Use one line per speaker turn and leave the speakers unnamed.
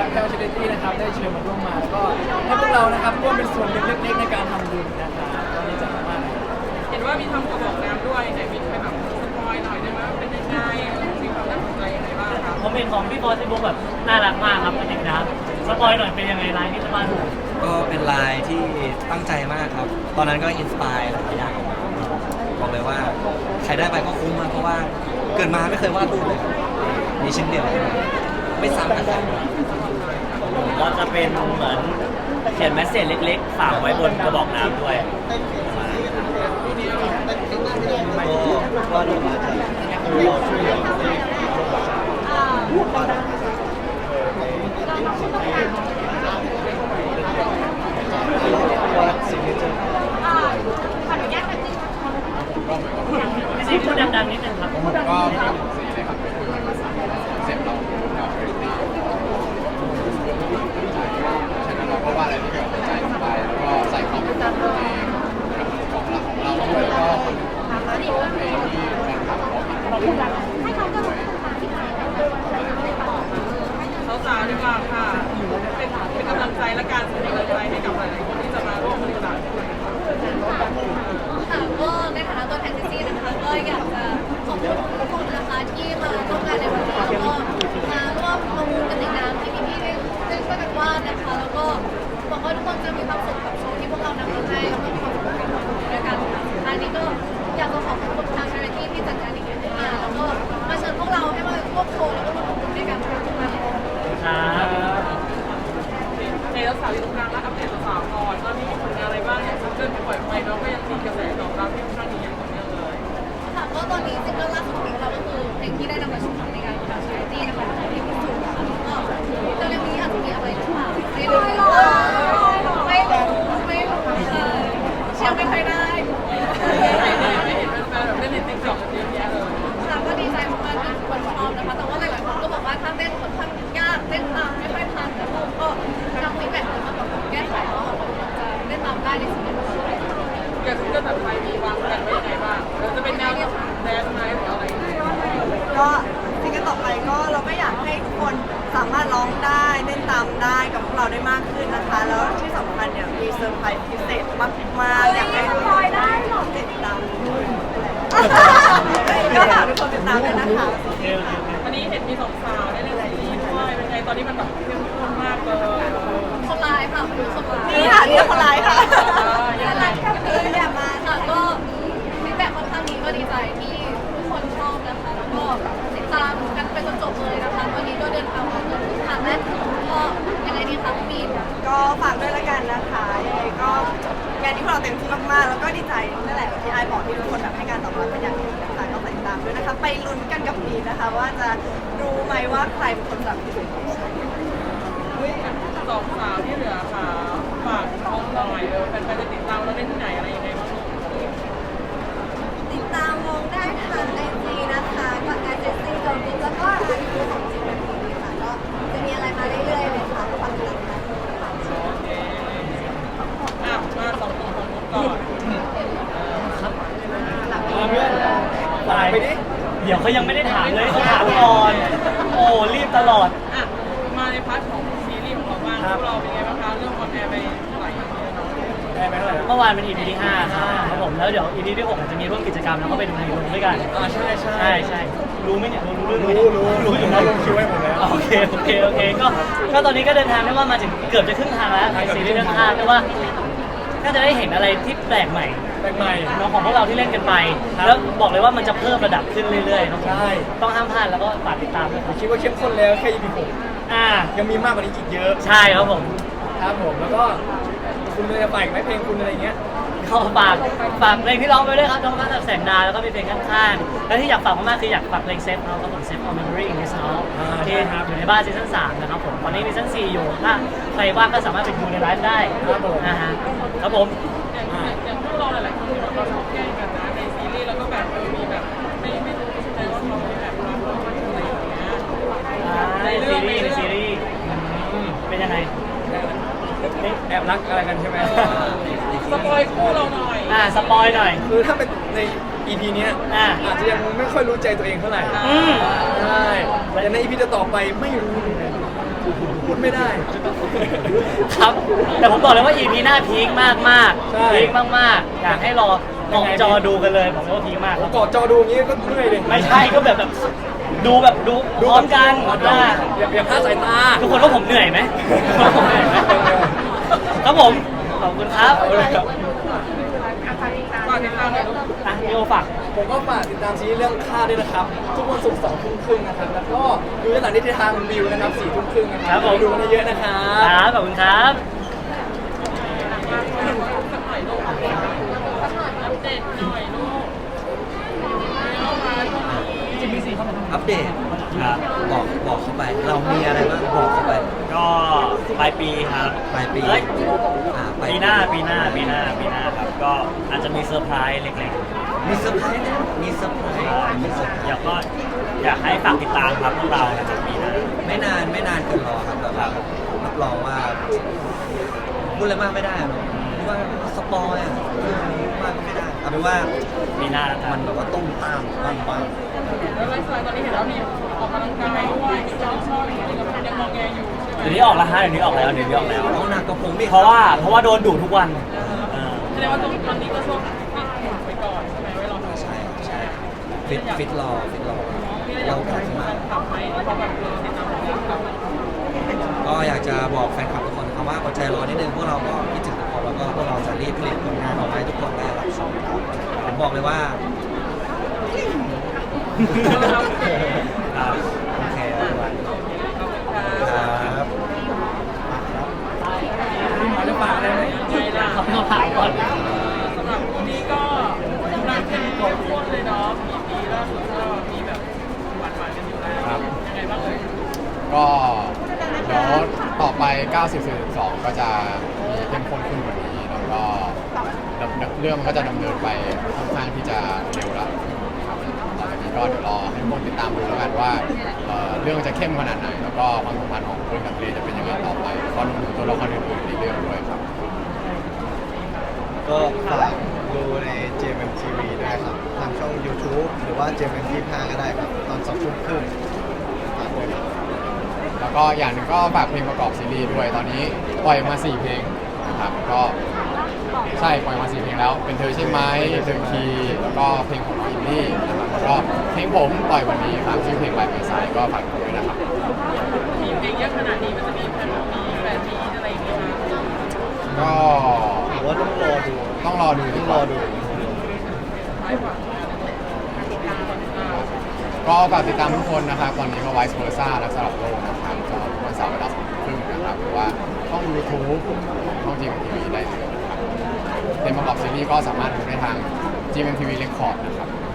แพลวชาริตี้นะครับได้เชิญมาร่วมมาแล้วก็ให้พวกเรานะครับร่วมเป็นส่วนหนึ่งเล็กๆในการทำบุญนะครับก็ดีใจมากๆเลย
เห็นว่ามีทำกระบอกน้ำด้วยไหนมีใครแบบสปอยหน่อยได้ไหมว่าเป็นยังไงมีความน่าสนใจยังไงบ้างครับ
คอมเมนต์ของพี่บอสที่บุ๊กแบบน่ารักมากครับเป็นเด็กนะครับสปอยหน่อยเป็นยังไงไลน์ที่จะมาดู
ก็เป็นลายที่ตั้งใจมากครับ ตอนนั้นก็อินสปายหลายอย่างออกมาบอกเลยว่าใครได้ไปก็คุ้มมากเพราะว่าเกิดมาไม่เคยวาดรูปเลยมีชิ้นเดียวไม่ซ้ำกันเลย
ก็จะเป็นเหมือนเขียนแมสเซจเล็กๆฝากไว้บนกระบอกน้ำด้วย
ก็วาดรูปมาจากวาดซิกเนเจอร์
พี่ซีพูดดังๆนิดนึงครับ
ก็เป็นสีเลยครับก็คือภาษาเสร็จเรากับคริสตี้ฉะนั้นเราก็ว่าอะไรที่เกี่ยวกับใจลงไปแล้วก็ใส่ความเป็นตัวเองของเราด้วยแล้วก็เพลงที่แฟนคลับเขาอินด้วย
สาวๆดีกว่าค่ะเป็นกำลังใจและการส่งกำลังใจให้กับหลายๆคนที่จะมาร่วมบริจาคด้วยค่ะ
ค่ะก็ในฐานะตัวแทนซิซี่นะคะก็อยากจะขอบคุณทุกคนนะคะที่มาร่วมงานในวันนี้แล้วก็มาร่วมประมูลกันในนามที่พี่ๆได้ช่วยกันวาดนะคะแล้วก็หวังว่าทุกคนจะมีความสุขกับโชว์ที่พวกเรานำมาให้แล้วก็มีความสุขกับการทำบุญด้วยกันค่ะสุดท้ายนี้ก็อยากจะขอบคุณทาง charity ที่จัดงานอีกครั้งขึ้นมาแล้วก็มาเชิญพวกเราให้มาร่วมโชว์แล้วก็ร่วมทำบุญด้วยกันค่ะทุกท่าน
ครับ
ในสาวอยู่ตรงกลางและอัปเดตสาวก่อนตอนนี้มีผลงานอะไรบ้างอย่างซิงเกิลที่ปล่อยไปเนาะก็ยังมีกระแสตอบรับที่ค่อนข้างดีอย่างต่อเนื่องเลย
ค่ะก็ตอนนี้ซิงเกิลล่าสุดของเราก็คือเพลงที่ได้นำมาชุมนุมในงานของ charity นะคะเพลงพิสูจน์ค่ะแล้วก็เร็วๆนี้อาจจะมีอะไรหรือเปล่าไม่รู้เลยเชื่อไม่ค่อยได้
ไม่เห็นแฟนๆแบบเล่นในติ๊กต็อกกันเยอะแยะเลย
ค่ะก็ดีใจมากๆที่ทุกคนชอบนะคะแต่ว่าหลายๆคนก็บอกว่าถ้าเต้นค่อนข้างยากเต้นตามไม่ค่อยทันแล้วก็ทำฟีดแบ็กเลยมาบอกแก้ไขว่าจะเต้นตามได้ในสิ่งที่เราชอบ
อย่างซิงเกิลแบบไทยมีวางแผนไว้ยังไงบ้างเราจะเป็นแนวแดนซ์ไหมหรืออะไร
ก็ซิงเกิลต่อไปก็เราก็อยากให้ทุกคนสามารถร้องได้เต้นตามได้กับพวกเราได้มากขึ้นนะคะ แล้วที่สำคัญเนี่ยมีเซอร์ไพรส์พิเศษมากๆอยากให้ทุกคนได้ติดตามก็ฝากทุกคนติดตามด้วยนะคะ
โอเคโอเคโอเค
วันนี้เห็นมีสองสาวได้เล่นซีรีส์ด้วยเป็นไงตอนนี้มันแบบเข้มข้นมากเลย
คนร้ายค่ะมาดูคนร้าย
นี่ค่ะนี่คนร้ายค่ะ
ยังไง
อยากมาค่ะก็ฟีดแบ็กค่อนข้างดีก็ดีใจที่ทุกคนชอบนะคะแล้วก็ติดตามกันไปจนจบเลยนะคะวันนี้ก็เดินทางมาจนถึงทางแรกก็ยังไงดีคะพี่มีน
ก็ฝากด้วยละกันนะคะยังไงก็งานนี้พวกเราเต็มที่มากๆแล้วก็ดีใจนั่นแหละที่ไอบอกที่ทุกคนแบบให้การตอบรับเป็นอย่างดีนะคะก็ติดตามด้วยนะคะไปลุ้นกันกับมีนนะคะ ว่าจะรู้ไหมว่าใครเป็นคนจับที่สุด
สองสาวที่เหลือค่ะฝากน้องหน่อยแฟนๆจะติดตามเราได้ที่ไหนอะไรยังไงบ้าง
ติดตามมองได้ทางไอจีนะคะก็ไอจีซีโดนแล้วก็ไอจีของจีนทีค่ะก็จะมีอะไรมาเรื่อยๆเลยค่ะก็ฝากติดตามกัน
มาสองคนของนุ๊กก่อน
เพื่อน
ตายเดี๋ยวเขายังไม่ได้ถามเลยเขาถามก่อนโอ้รีบตลอด
อ่ะมาในพาร์ทของซีรีส์ของเราบ้างพวกเราเป็นไงบ้างคะเรื่องออนแอร์ไปหลาย EP แล้วเนาะ
ได้ไหมเท่าไหร่
เมื่อวานเป็น EP ที่5ครับผมแล้วเดี๋ยว EP ที่6อาจจะมีร่วมกิจกรรมแล้วก็ไปดูในโรงด้วยกัน
ใช่ใช่
ใช่รู้ไหมเนี่ยรู้เรื่องไหม
รู้อยู่นะลงคิวให้ผมแล้ว
โอเคก็ตอนนี้ก็เดินทางได้ว่ามาถึงเกือบจะครึ่งทางแล้วในซีรีส์เรื่อง5แต่ว่าก็จะได้เห็นอะไรที่แปลกใหม่
แปลกใหม่
น้องของพวกเราที่เล่นกันไป แล้วบอกเลยว่ามันจะเพิ่มระดับขึ้นเรื่อยๆครับผม
ใช่
ต้องห้ามพลาดแล้วก็ฝากติดตามด้วยครับ
คิดว่าเข้มข้นแล้วแค่ EP
อ่า
6ยังมีมากกว่านี้อีกเยอะ
ใช่ครับผม
ครับผมแล้วก็คุณเลยจะฝากอีกไหมเพลงคุณอะไรอย่างเงี้ย
ก็ฝากเพลงที่ร้องไปด้วยครับน้องมาจากแสงดาวแล้วก็มีเพลงข้างๆและที่อยากฝากมากๆคืออยากฝากเพลงเซฟเราครับผมเซฟ All Memory in This House ที่อยู่ในบ้านซีซั่น3นะครับผมตอนนี้มีซีซั่น4อยู่ถ้าใครว่างก็สามารถไปดูในไลฟ์ได้นะฮะครับผม
อย่างพวกเราหลายๆคนเราชอบแกล้งกันนะในซีรีส์แล้วก็แบบมีแบบไม่รู้ใช่ไหมว่าเขาแบบความรักมันอะไรอย่างเงี้ย
ในซีรีส์เป็นยังไง
แอบรักอะไรกันใช่ไหม
สปอยคู่เราหน่อย
สปอยหน่อย
คือถ้าเป็นใน EP เนี้ยอาจจะยังไม่ค่อยรู้ใจตัวเองเท่าไหร่ใช่แต่ใน EP ต่อไปไม่รู้เลยพูดไม่ได้
ครับ แต่ผมบอกเลยว่า EP หน้าพีคมากมากๆ
ใช่
พีคมากๆ อยากให้รอเกาะจอดูกันเลยผมว่าพีคมากครับ
กอดจอดูอย่างนี้ก็เมื่อยเลย
ไม่ใช่ก็แบบดูพร้อมกันว่า
อย่าพลาดสายตา
ทุกคนว่าผมเหนื่อยไหมผมเหนื่อยไหมครับผมขอบคุณครับ
ฝากติดตามหน่อยลูก
อ่ะพี่โอฝาก
ผมก็ฝากติดตามซีรีส์เรื่องค่าด้วยนะครับ ทุกวันศุกร์2 ทุ่มครึ่งนะครับ แล้วก็ดูย้อนหลังได้ที่ทางวิวนะครับ4 ทุ่มครึ่งนะค
ครั
รับบ
ผม
ไปดูกันเยอะๆนะครั
ค
บ
รับขอบคุณครับ
สักหน่อยลูกอัปเดตหน่อยลูกเอามาช่วงนี้
อัปเดตบอกเข้าไป เรามีอะไรบ้างบอกเข้าไป
ก็ปลายปีครับ
ปลายปี
เอ้ย
ปลาย
ปีหน้าครับ ก็อาจจะมีเซอร์ไพรส์เล็ก
มีเซอร์ไพรส์นะมีเซอร์ไพรส์มีเซอร์ไพร
ๆอยาก
ส์
ก็อยากให้ฝากติดตามครับพวกเรานะครับปีหน้า
ไม่นานเกินรอครับแบบว่ารับรองว่าพูดอะไรมากไม่ได้อะเนอะพูดว่าสปอยอ่ะพูดอะไรมากก็ไม่ได้เอาเป็นว่า
ปีหน้านะครั
มั
บ
นแบบว่าต้มตามบ้าง
แล้วไลฟ์สไตล์ตอนนี้เห็นแล้วมีออกกำลังกายด้วยมีซ้อมชอบอะไรอย่างเงี้ยกับยังมองแงอยู่ใช่ไหม
เดี๋ยวนี้ออกแล้วฮะเดี๋ยวนี้ออกแล้ว
เอาหนักกับผมอีก
เพราะว่าโดนดุทุกวันเออ
แสดงว่าตอนนี้ก็ช่วงปิดหุ่นไปก่อนใช่ไหมไว้รอทำ
ใช่ฟิตรอ
มีอะไรอยา
เรา
ก
กลับมา
ทำไหมเพราะแบบติดตามผลงานเรา
ก็อยากจะบอกแฟนคลับทุกคนนะครับว่าอดใจรอนิดนึงพวกเราก็คิดถึงทุกคนแล้วก็พวกเราจะรีบผลิตผลงานออกมาให้ทุกคนได้รับชมครับผมบอกเลยว่า
ครับ
โอเคทุกวันครับ
จะฝากอะไรไหม
ไงล่ะ
ขอบคุณครับก่อน
สำหรับวันนี้ก็กำลังเข้มข้นเลยเนาะปีล่าสุดก็มีแบบหวานๆกันอยู่แล้ว
ครับ
ยังไงบ้างเอ่ย
ก็เดี๋ยวต่อไป 90-42 ก็จะมีเข้มข้นขึ้นกว่านี้ แล้วก็เรื่องมันก็จะดำเนินไปค่อนข้างที่จะเร็วแล้วครับต่อจากนี้ก็เดี๋ยวรอให้ทุกคนติดตามดูแล้วกันว่าเรื่องจะเข้มขนาดไหน แล้วก็ความสัมพันธ์ของเพื่อนกับเรจะเป็นยังไงต่อไปแล้วก็รวมถึงตัวละครอื่นๆในเรื่องด้วยครับ
ก็ฝากดูใน JMTV ด้วยครับ ทางช่อง YouTube หรือว่า JMTV ก็ได้ครับ ตอน2 ทุ่มครึ่งฝากด้วยครับ
แล้วก็อย่างหนึ่งก็ฝากเพลงประกอบซีรีส์ด้วย ตอนนี้ปล่อยมา 4 เพลงนะครับ ก็ใช่ปล่อยมา 4 เพลงแล้ว เป็นเธอใช่ไหมเธอคีแล้วก็เพลงของน้องอินดี้นะครับแล้วก็เพลงผมปล่อยวันนี้ครับชื่อเพลงใบเมษายก็ฝากด้วยนะครับ
มีเพลงเยอะขนาดนี้มันจะมีแฟนมีแฟนมีอะไรอย่างเงี้ยนะ
ก็
ผมว่าต้องรอดู
ต้องรอดูดีกว่า
ท้ายฝาก
ก็ฝากติดตามทุกคนนะครับ ตอนนี้ก็ Vice Versa และสลับโลกนะครับจะทุกวันเสาร์เวลา2 ทุ่มครึ่งนะครับหรือว่าช่อง YouTube ของช่อง GMTV ได้เลยนะครับเพลงประกอบซีรีส์ก็สามารถดูได้ทาง GMTV Record นะครับ